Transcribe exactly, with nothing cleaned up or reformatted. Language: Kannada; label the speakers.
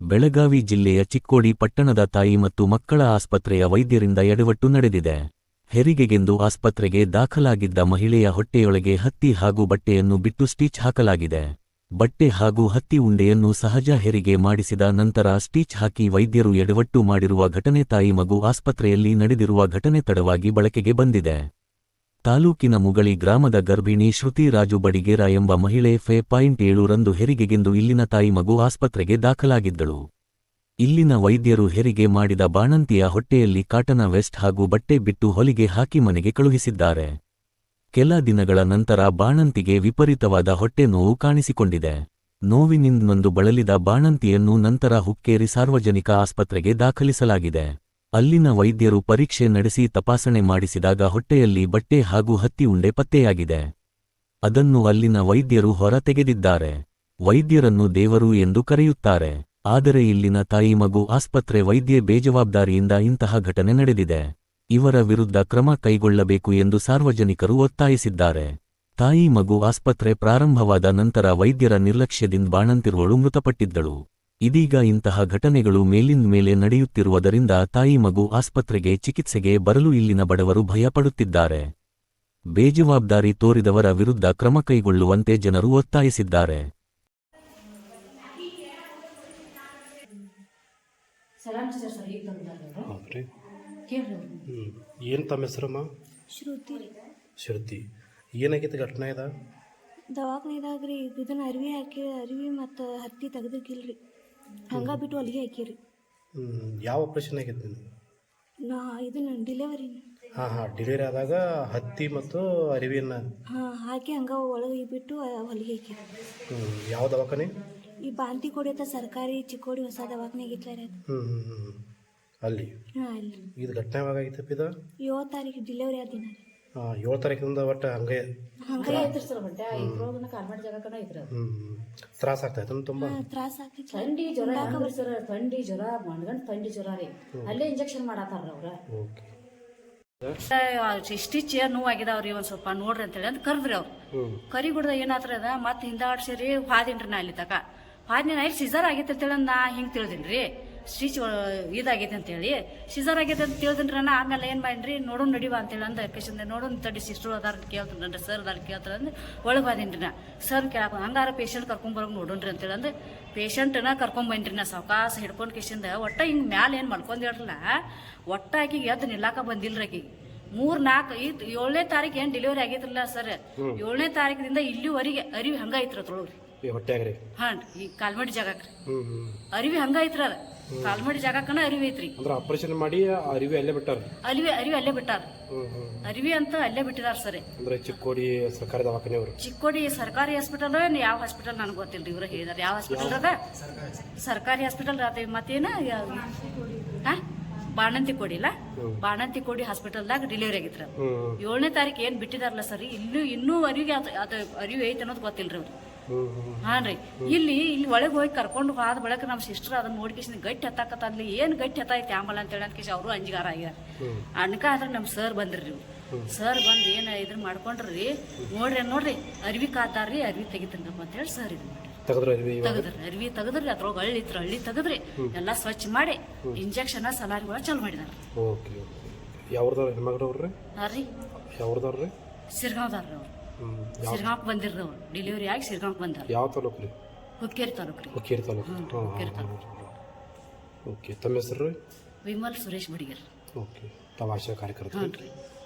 Speaker 1: ಬೆಳಗಾವಿ ಜಿಲ್ಲೆಯ ಚಿಕ್ಕೋಡಿ ಪಟ್ಟಣದ ತಾಯಿ ಮತ್ತು ಮಕ್ಕಳ ಆಸ್ಪತ್ರೆಯ ವೈದ್ಯರಿಂದ ಎಡವಟ್ಟು ನಡೆದಿದೆ. ಹೆರಿಗೆಗೆಂದು ಆಸ್ಪತ್ರೆಗೆ ದಾಖಲಾಗಿದ್ದ ಮಹಿಳೆಯ ಹೊಟ್ಟೆಯೊಳಗೆ ಹತ್ತಿ ಹಾಗೂ ಬಟ್ಟೆಯನ್ನು ಬಿಟ್ಟು ಸ್ಟಿಚ್ ಹಾಕಲಾಗಿದೆ. ಬಟ್ಟೆ ಹಾಗೂ ಹತ್ತಿ ಉಂಡೆಯನ್ನು ಸಹಜ ಹೆರಿಗೆ ಮಾಡಿಸಿದ ನಂತರ ಸ್ಟಿಚ್ ಹಾಕಿ ವೈದ್ಯರು ಎಡವಟ್ಟು ಮಾಡಿರುವ ಘಟನೆ ತಾಯಿ ಮಗು ಆಸ್ಪತ್ರೆಯಲ್ಲಿ ನಡೆದಿರುವ ಘಟನೆ ತಡವಾಗಿ ಬಳಕೆಗೆ ಬಂದಿದೆ. ತಾಲೂಕಿನ ಮುಗಳಿ ಗ್ರಾಮದ ಗರ್ಭಿಣಿ ಶ್ರುತಿ ರಾಜು ಬಡಿಗೇರ ಎಂಬ ಮಹಿಳೆ ಫೆ ಪಾಯಿಂಟ್ ಏಳು ರಂದು ಹೆರಿಗೆಗೆಂದು ಇಲ್ಲಿನ ತಾಯಿ ಮಗು ಆಸ್ಪತ್ರೆಗೆ ದಾಖಲಾಗಿದ್ದಳು. ಇಲ್ಲಿನ ವೈದ್ಯರು ಹೆರಿಗೆ ಮಾಡಿದ ಬಾಣಂತಿಯ ಹೊಟ್ಟೆಯಲ್ಲಿ ಕಾಟನ ವೆಸ್ಟ್ ಹಾಗೂ ಬಟ್ಟೆ ಬಿಟ್ಟು ಹೊಲಿಗೆ ಹಾಕಿ ಮನೆಗೆ ಕಳುಹಿಸಿದ್ದಾರೆ. ಕೆಲ ದಿನಗಳ ನಂತರ ಬಾಣಂತಿಗೆ ವಿಪರೀತವಾದ ಹೊಟ್ಟೆ ನೋವು ಕಾಣಿಸಿಕೊಂಡಿದೆ. ನೋವಿನಿಂದ ನೊಂದು ಬಳಲಿದ ಬಾಣಂತಿಯನ್ನು ನಂತರ ಹುಕ್ಕೇರಿ ಸಾರ್ವಜನಿಕ ಆಸ್ಪತ್ರೆಗೆ ದಾಖಲಿಸಲಾಗಿದೆ. ಅಲ್ಲಿನ ವೈದ್ಯರು ಪರೀಕ್ಷೆ ನಡೆಸಿ ತಪಾಸಣೆ ಮಾಡಿಸಿದಾಗ ಹೊಟ್ಟೆಯಲ್ಲಿ ಬಟ್ಟೆ ಹಾಗೂ ಹತ್ತಿ ಉಂಡೆ ಪತ್ತೆಯಾಗಿದೆ. ಅದನ್ನು ಅಲ್ಲಿನ ವೈದ್ಯರು ಹೊರ ತೆಗೆದಿದ್ದಾರೆ. ವೈದ್ಯರನ್ನು ದೇವರು ಎಂದು ಕರೆಯುತ್ತಾರೆ. ಆದರೆ ಇಲ್ಲಿನ ತಾಯಿ ಮಗು ಆಸ್ಪತ್ರೆ ವೈದ್ಯೆ ಬೇಜವಾಬ್ದಾರಿಯಿಂದ ಇಂತಹ ಘಟನೆ ನಡೆದಿದೆ. ಇವರ ವಿರುದ್ಧ ಕ್ರಮ ಕೈಗೊಳ್ಳಬೇಕು ಎಂದು ಸಾರ್ವಜನಿಕರು ಒತ್ತಾಯಿಸಿದ್ದಾರೆ. ತಾಯಿ ಮಗು ಆಸ್ಪತ್ರೆ ಪ್ರಾರಂಭವಾದ ನಂತರ ವೈದ್ಯರ ನಿರ್ಲಕ್ಷ್ಯದಿಂದ ಬಾಣಂತಿರುವಳು ಮೃತಪಟ್ಟಿದ್ದಳು. ಇದೀಗ ಇಂತಹ ಘಟನೆಗಳು ಮೇಲಿಂದ ಮೇಲೆ ನಡೆಯುತ್ತಿರುವುದರಿಂದ ತಾಯಿ ಮಗು ಆಸ್ಪತ್ರೆಗೆ ಚಿಕಿತ್ಸೆಗೆ ಬರಲು ಇಲ್ಲಿನ ಬಡವರು ಭಯಪಡುತ್ತಿದ್ದಾರೆ. ಬೇಜವಾಬ್ದಾರಿ ತೋರಿದವರ ವಿರುದ್ಧ ಕ್ರಮ ಕೈಗೊಳ್ಳುವಂತೆ ಜನರು ಒತ್ತಾಯಿಸಿದ್ದಾರೆ.
Speaker 2: ಏನು ತಮ್ಮ ಹೆಸರಮ್ಮ?
Speaker 3: ಶ್ರುತಿ.
Speaker 2: ಶ್ರುತಿ, ಏನಾಗೈತೆ ಘಟನೆ ಇದ?
Speaker 3: ದವಾಖಾನಿದಾಗ ರೀ ಇದನ್ನ ಅರಿವಿ ಹಾಕಿ ಅರಿವಿ ಮತ್ತು ಹತ್ತಿ ತೆಗ್ದಕ್ಕಿಲ್ರಿ, ಹಂಗ ಬಿಟ್ಟು ಅಲ್ಲಿಗೆ ಹಾಕಿರಿ.
Speaker 2: ಹ್ಞೂ ಯಾವ ಆಪ್ರೇಷನ್ ಆಗೈತೆ ನಿಮ್ಗೆ?
Speaker 3: ನಾ ಇದನ್ನ ಡಿಲೆವರಿ.
Speaker 2: ಹಾಂ ಹಾಂ ಡೆಲಿವರಿ ಆದಾಗ ಹತ್ತಿ ಮತ್ತು ಅರಿವಿನ
Speaker 3: ಹಾಂ ಹಾಕಿ ಹಂಗ ಒಳಗೆ ಬಿಟ್ಟು ಹೊಲಿಗೆ ಹಾಕಿರಿ.
Speaker 2: ಹ್ಞೂ ಯಾವ ದವಾಖಾನೆ?
Speaker 3: ಈ ಬಾಂತಿ ಕೊಡಿಯತ್ತ ಸರ್ಕಾರಿ ಚಿಕ್ಕೋಡಿ ಹೊಸ ದವಾಖಾನೆ ಆಗಿತ್ತಲ್ಲ ಅದು.
Speaker 2: ಹ್ಞೂ ಹ್ಞೂ ಹ್ಞೂ ಅಲ್ಲಿ.
Speaker 3: ಹಾಂ ಅಲ್ಲಿ.
Speaker 2: ಇದು ಘಟನೆ ಯಾವಾಗ ಆಗಿತ್ತಪ್ಪ ಇದು?
Speaker 3: ಏಳು ತಾರೀಕು ಡಿಲೆವರಿ ಆದ ದಿನ ರೀ.
Speaker 2: ಹಾಂ ಏಳು ತಾರೀಕಿಂದ ಒಟ್ಟು ಹಂಗೆ
Speaker 3: ಹಂಗೆ
Speaker 4: ಐತ್ರಿ ಸರ್. ಬಟ್ಟೆ ಇಬ್ರೋಗನ ಕಾಲ್ಮಾಡಿ ಜಾಗಕ್ಕನ ಐತ್ರಿ.
Speaker 2: ಹ್ಞೂ ತ್ರಾಸ ಆಗ್ತಾಯ್ತು ತುಂಬ?
Speaker 3: ತ್ರಾಸ ಆಗ್ತಿತ್ತು.
Speaker 4: ಥಂಡಿ ಜ್ವರ ಯಾಕಂದ್ರೆ ಸರ್, ಥಂಡಿ ಜ್ವರ ಮಣ್ಗಂಡ್ ಥಂಡಿ ಜ್ವರ ರೀ. ಅಲ್ಲೇ ಇಂಜೆಕ್ಷನ್ ಮಾಡತ್ತಾರ ಅವ್ರ.
Speaker 2: ಓಕೆ.
Speaker 4: ಸ್ಟಿಚ್ ನೋವು ಆಗಿದಾವ್ರಿ, ಒಂದ್ ಸ್ವಲ್ಪ ನೋಡ್ರಿ ಅಂತೇಳಿ ಅಂತ ಕರ್ದ್ರಿ ಅವ್ರು. ಕರಿ ಗುಡ್ದ ಏನಾತ್ರ ಅದ ಮತ್ತೆ ಹಿಂದಾಡ್ಸಿರಿ ಹಾದಿನ್ರಿ. ನಾ ಅಲ್ಲಿ ತಕ ಹಾದಿನ ನೈಟ್ ಸಿಜರ್ ಆಗೈತೆ ಅಂತೇಳಿ ನಾ ಹಿಂಗೆ ತಿಳಿದಿನ್ರಿ. ಸ್ಟಿಚ್ ಇದಾಗೈತೆ ಅಂತೇಳಿ ಸಿಜರ್ ಆಗೈತೆ ಅಂತ ತಿಳಿದಿನ್ರಿ. ನಾ ಆಮೇಲೆ ಏನು ಮಾಡಿನ್ರಿ, ನೋಡೋಣ ನಡಿವಾ ಅಂತೇಳಿ ಅಂದ ಕೃಷ್ಣ ನೋಡೋಣ ತಡಿ ಸಿಸ್ಟರ್ ಅದಾರ ಕೇಳ್ತಾನೆ, ಸರ್ ಅದಾರ ಕೇಳ್ತಾರೆ ಅಂದ್ರೆ ಒಳಗೆ ಬಾದೇನ್ರಿ. ನಾ ಸರ್ ಕೇಳಕ ಹಂಗಾರ ಪೇಷಂಟ್ ಕರ್ಕೊಂಬರೋಗಿ ನೋಡೋಣ್ರಿ ಅಂತೇಳಿ ಅಂದ್ರೆ ಪೇಷಂಟ್ನ ಕರ್ಕೊಂಬಂದ್ರಿ. ನಾ ಸಾವಕಾಸ ಹಿಡ್ಕೊಂಡು ಕಿಶಿಂದ ಒಟ್ಟ ಹಿಂಗೆ ಮ್ಯಾಲೆ ಏನು ಮಾಡ್ಕೊಂಡಿರಲ್ಲ, ಒಟ್ಟ ಆಕಿಗೆ ಎದ್ದು ನಿಲ್ಲಾಕ ಬಂದಿಲ್ರಿ. ಆಕಿಗೆ ಮೂರ್ ನಾಲ್ಕು ಇದು ಏಳನೇ ತಾರೀಕು ಏನು ಡೆಲಿವರಿ ಆಗೈತ್ರಲ್ಲ ಸರ್, ಏಳನೇ ತಾರೀಕಿನಿಂದ ಇಲ್ಲಿವರೆಗೆ ಅರಿವಿ ಹಂಗ ಐತ್ರ ತೊಳಗ್ರಿ
Speaker 2: ಹೊಟ್ಟೆಗ್ರಿ.
Speaker 4: ಹಾಂ ಈ ಕಾಲ್ಮಡಿ ಜಾಗಕ್ರಿ ಅರಿವಿ ಹಂಗ ಐತ್ರ. ಅದ ಕಾಲ್ಮಡಿ ಜಾಗಕ್ಕನ ಅರಿವಿ ಐತ್ರಿ.
Speaker 2: ಅಂದ್ರೆ ಆಪರೇಷನ್ ಮಾಡಿ ಅರಿವಿ ಅಲ್ಲೇ ಬಿಟ್ಟಾರ.
Speaker 4: ಅರಿವಿ ಅರಿವಿ ಅಲ್ಲೇ ಬಿಟ್ಟಾರ. ಅರಿವಿ ಅಂತ ಅಲ್ಲೇ ಬಿಟ್ಟಿದಾರ ಸರ್.
Speaker 2: ಅಂದ್ರೆ ಚಿಕ್ಕೋಡಿ ಸರ್ಕಾರಿ ದವಾಖಾನೆ ಅವರು.
Speaker 4: ಚಿಕ್ಕೋಡಿ ಸರ್ಕಾರಿ ಹಾಸ್ಪಿಟಲ್ ಯಾವ ಹಾಸ್ಪಿಟಲ್ ನನಗೆ ಗೊತ್ತಿಲ್ರಿ. ಇವ್ರ ಹೇಳಿದಾರೆ ಯಾವ ಹಾಸ್ಪಿಟಲ್ ಅದ, ಸರ್ಕಾರಿ ಹಾಸ್ಪಿಟಲ್ ಅದ. ಮತ್ತೇನ ಹಾ ಬಾಣಂತಿ ಕೊಡಿಲ್ಲ, ಬಾಣಂತಿ ಕೊಡಿ ಹಾಸ್ಪಿಟಲ್ದಾಗ ಡೆಲಿವರಿ ಆಗಿತ್ರ. ಏಳನೇ ತಾರೀಕು ಏನ್ ಬಿಟ್ಟಿದಾರಲ್ಲ ಸರ್, ಇಲ್ಲೂ ಇನ್ನೂ ಅರಿವಿಗೆ ಅದು ಅರಿವು ಐತೆ ಅನ್ನೋದು ಗೊತ್ತಿಲ್ರಿ ಅವ್ರು. ಹಾನ್ ರೀ ಇಲ್ಲಿ ಇಲ್ಲಿ ಒಳಗೆ ಹೋಗಿ ಕರ್ಕೊಂಡು ಹೋದ ಬಳಕ ನಮ್ಮ ಸಿಸ್ಟರ್ ಅದನ್ನ ನೋಡ್ಕೇಶ್ ಗಟ್ಟಿ ಹತ್ತಾಕತ್ತ ಅಲ್ಲಿ ಏನ್ ಗಟ್ಟಿ ಹತ್ತಾಯ್ತು ಆಂಬಲ್ ಅಂತೇಳಿ ಅಂತ ಕೇಶ್ ಅವರು ಅಂಜಿಗಾರ ಆಗ್ಯಾರ. ಅನ್ಕ ಆದ್ರೆ ನಮ್ಮ ಸರ್ ಬಂದ್ರಿ. ನೀವು ಸರ್ ಬಂದು ಏನ ಇದ್ರ ಮಾಡ್ಕೊಂಡ್ರಿ, ನೋಡ್ರಿ ನೋಡ್ರಿ ಅರಿವಿ ಕಾದಾರ್ರಿ, ಅರಿವಿ ತೆಗಿತಂಗಪ್ಪ ಅಂತೇಳಿ ಸರ್ ಇದು ತೆಗದ್ರಿ. ಅರಿವಿ ತೆಗದ್ರಿ, ಅದ್ರೊಳಗೆ ಹಳ್ಳಿ ಇತ್ರ ಹಳ್ಳಿ ತೆಗದ್ರಿ, ಎಲ್ಲಾ ಸ್ವಚ್ಛ ಮಾಡಿ ಇಂಜೆಕ್ಷನ್ ಸಲಾರಿಗಳ ಚಾಲು ಮಾಡಿದಾರ.
Speaker 2: ಯಾವ್ದವ್ರ ಹೆಣ್ಮಗ್ರವ್ರಿ?
Speaker 4: ಹಾ ರೀ
Speaker 2: ಯಾವ್ದವ್ರಿ?
Speaker 4: ಸಿರ್ಗಾಂವ್ದಾರ್ರಿ ಅವ್ರು. ಸಿರ್ಗಾಂಕ್ ಬಂದಿರ್ರಿ ಅವ್ರು, ಡೆಲಿವರಿ ಆಗಿ ಸಿರ್ಗಾಂಕ್ ಬಂದಾರ.
Speaker 2: ಯಾವ ತಾಲೂಕು ರೀ?
Speaker 4: ಹುಕ್ಕೇರಿ ತಾಲೂಕು ರೀ.
Speaker 2: ಹುಕ್ಕೇರಿ ತಾಲೂಕು.
Speaker 4: ಹುಕ್ಕೇರಿ ತಾಲೂಕು.
Speaker 2: ಓಕೆ. ತಮ್ಮ ಹೆಸರು?
Speaker 4: ವಿಮಲ್ ಸುರೇಶ್ ಬಡಿಗೇರ್.
Speaker 2: ಓಕೆ. ತಾವು ಆಶಾ ಕಾರ್ಯಕರ್ತರು?
Speaker 4: ಹ್ಞೂ ರೀ.